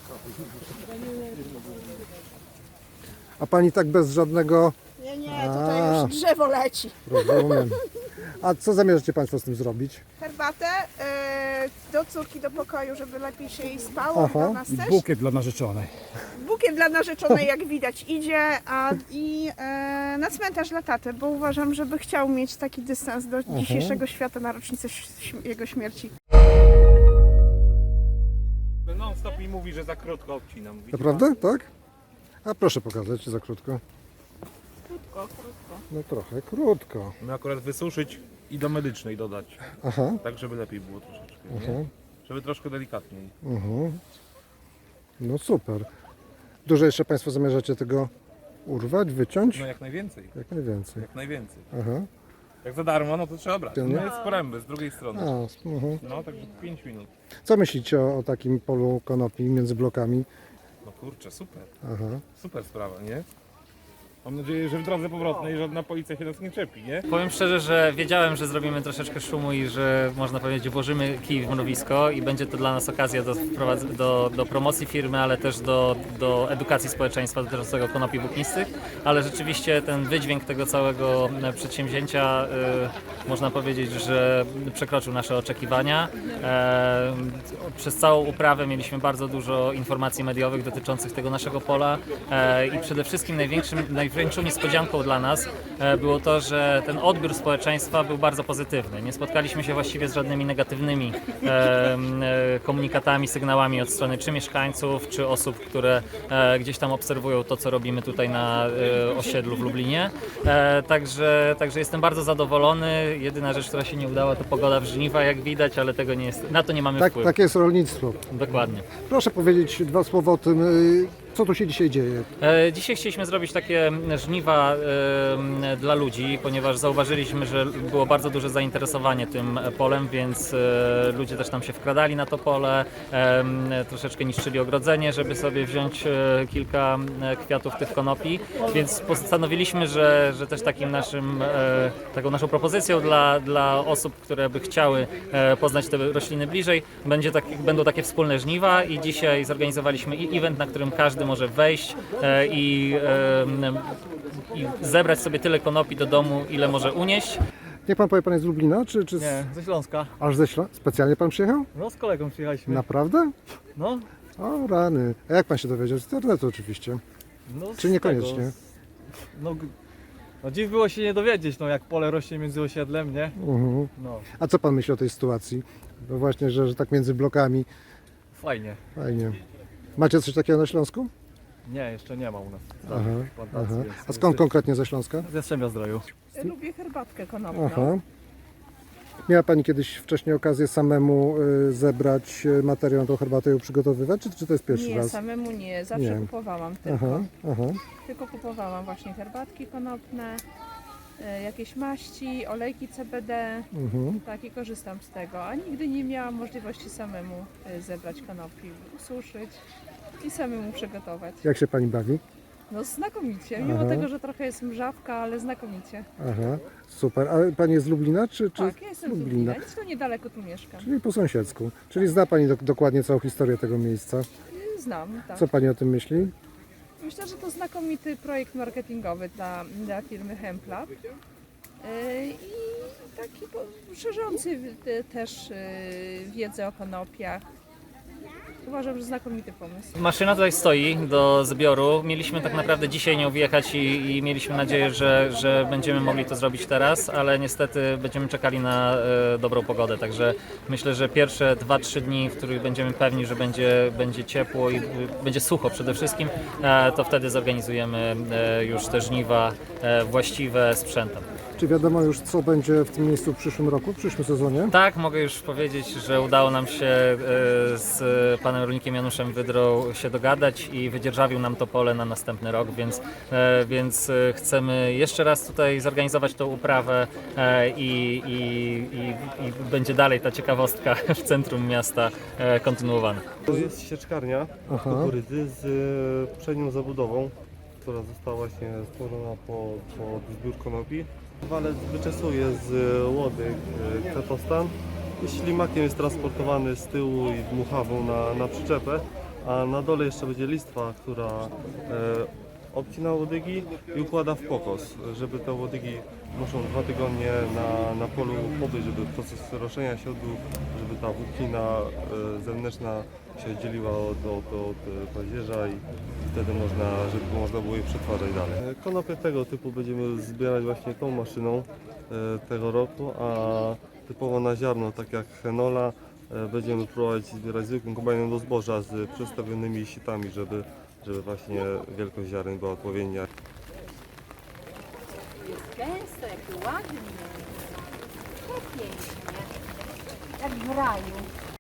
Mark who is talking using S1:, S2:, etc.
S1: A pani tak bez żadnego...
S2: Nie, tutaj już drzewo leci.
S1: Rozumiem. A co zamierzacie państwo z tym zrobić?
S2: Herbatę do córki do pokoju, żeby lepiej się jej spało,
S1: Aha.
S2: dla nas też.
S3: Bukiet dla narzeczonej.
S2: Bukiet dla narzeczonej, jak widać, idzie, i na cmentarz dla taty, bo uważam, żeby chciał mieć taki dystans do dzisiejszego świata na rocznicę jego śmierci.
S4: Non stop mi mówi, że za krótko obcinam.
S1: Naprawdę? Tak? A proszę pokazać za krótko.
S2: Krótko.
S1: No trochę krótko.
S4: My akurat wysuszyć i do medycznej dodać.
S1: Aha.
S4: Tak, żeby lepiej było troszeczkę.
S1: Aha.
S4: Nie? Żeby troszkę delikatniej.
S1: No super. Dużo jeszcze państwo zamierzacie tego urwać, wyciąć?
S4: No jak najwięcej.
S1: Jak najwięcej.
S4: Jak najwięcej.
S1: Aha.
S4: Jak za darmo, no to trzeba brać.
S1: Nie?
S4: No jest poręby z drugiej strony.
S1: A,
S4: No także 5 minut.
S1: Co myślicie o takim polu konopi między blokami?
S4: No kurczę, super.
S1: Aha.
S4: Super sprawa, nie? Mam nadzieję, że w drodze powrotnej żadna policja się nas nie czepi, nie?
S5: Powiem szczerze, że wiedziałem, że zrobimy troszeczkę szumu i że można powiedzieć włożymy kij w mrowisko i będzie to dla nas okazja do promocji firmy, ale też do edukacji społeczeństwa dotyczącego konopi włóknistych, ale rzeczywiście ten wydźwięk tego całego przedsięwzięcia można powiedzieć, że przekroczył nasze oczekiwania. Przez całą uprawę mieliśmy bardzo dużo informacji mediowych dotyczących tego naszego pola i przede wszystkim największą niespodzianką dla nas było to, że ten odbiór społeczeństwa był bardzo pozytywny. Nie spotkaliśmy się właściwie z żadnymi negatywnymi komunikatami, sygnałami od strony czy mieszkańców, czy osób, które gdzieś tam obserwują to, co robimy tutaj na osiedlu w Lublinie. Także jestem bardzo zadowolony. Jedyna rzecz, która się nie udała, to pogoda w żniwa, jak widać, ale tego nie jest, na to nie mamy
S1: Tak,
S5: wpływu.
S1: takie jest rolnictwo.
S5: Dokładnie.
S1: Proszę powiedzieć dwa słowa o tym, co tu się dzisiaj dzieje.
S5: Dzisiaj chcieliśmy zrobić takie żniwa dla ludzi, ponieważ zauważyliśmy, że było bardzo duże zainteresowanie tym polem, więc ludzie też tam się wkradali na to pole, troszeczkę niszczyli ogrodzenie, żeby sobie wziąć kilka kwiatów tych konopi, więc postanowiliśmy, że też taką naszą propozycją dla osób, które by chciały poznać te rośliny bliżej, będą takie wspólne żniwa i dzisiaj zorganizowaliśmy event, na którym każdy może wejść i zebrać sobie tyle konopi do domu, ile może unieść.
S1: Niech pan powie, pan jest z Lublina, czy
S3: Nie, ze Śląska.
S1: aż ze Śląska? Specjalnie pan przyjechał?
S3: No z kolegą przyjechaliśmy.
S1: Naprawdę?
S3: No,
S1: O rany. A jak pan się dowiedział? Z internetu oczywiście.
S3: no
S1: Czy niekoniecznie?
S3: Tego, no dziś było się nie dowiedzieć, no jak pole rośnie między osiedlem, nie? No,
S1: A co pan myśli o tej sytuacji? No właśnie, że tak między blokami.
S3: fajnie.
S1: Fajnie. Macie coś takiego na Śląsku?
S3: Nie, jeszcze nie ma u nas.
S1: Aha,
S3: Plantacji,
S1: aha.
S3: więc
S1: A skąd konkretnie ze Śląska?
S3: z Jastrzębia-Zdroju.
S2: Lubię herbatkę konopną.
S1: Aha. Miała pani kiedyś wcześniej okazję samemu zebrać materiał na tą herbatę i ją przygotowywać, czy to jest pierwszy
S2: Nie,
S1: raz?
S2: samemu nie, zawsze
S1: Nie.
S2: kupowałam tylko.
S1: Aha.
S2: Tylko kupowałam właśnie herbatki konopne, jakieś maści, olejki CBD, tak, i korzystam z tego, a nigdy nie miałam możliwości samemu zebrać konopi, ususzyć i samemu przygotować.
S1: Jak się pani bawi?
S2: No znakomicie, mimo
S1: Aha.
S2: tego, że trochę jest mrzawka, ale znakomicie.
S1: Aha, super. A pani jest z Lublina, czy
S2: Tak, ja jestem z Lublina, nic tu niedaleko tu mieszkam.
S1: Czyli po sąsiedzku. Czyli zna pani dokładnie całą historię tego miejsca.
S2: Znam, tak.
S1: Co pani o tym myśli?
S2: Myślę, że to znakomity projekt marketingowy dla firmy Hemplab i taki szerzący też wiedzę o konopiach. Uważam, że znakomity pomysł.
S5: Maszyna tutaj stoi do zbioru. Mieliśmy tak naprawdę dzisiaj nią wjechać i mieliśmy nadzieję, że będziemy mogli to zrobić teraz, ale niestety będziemy czekali na dobrą pogodę, także myślę, że pierwsze 2-3 dni, w których będziemy pewni, że będzie ciepło i będzie sucho przede wszystkim, to wtedy zorganizujemy już te żniwa właściwe sprzętem.
S1: Czy wiadomo już, co będzie w tym miejscu w przyszłym roku, w przyszłym sezonie?
S5: Tak, mogę już powiedzieć, że udało nam się z panem rolnikiem Januszem Wydrą się dogadać i wydzierżawił nam to pole na następny rok, więc chcemy jeszcze raz tutaj zorganizować tą uprawę i będzie dalej ta ciekawostka w centrum miasta kontynuowana.
S6: To jest sieczkarnia kukurydzy z przednią zabudową, która została właśnie stworzona pod zbiór konopi. Walec wyczesuje z łody kwiatostan. Ślimakiem jest transportowany z tyłu i dmuchawą na przyczepę. a na dole jeszcze będzie listwa, która obcina łodygi i układa w pokos, żeby te łodygi muszą 2 tygodnie na polu pobyć, żeby proces roszenia się odbył, żeby ta włóknina zewnętrzna się oddzieliła od pazierza i wtedy żeby można było je przetwarzać dalej. Konopie tego typu będziemy zbierać właśnie tą maszyną tego roku, a typowo na ziarno, tak jak henola, będziemy próbować zbierać zwykłym kombajnem do zboża z przestawionymi sitami, żeby właśnie wielkość ziaren była odpowiednia.
S7: Jest gęsto, jakie ładnie. Tak pięknie. Jak w raju.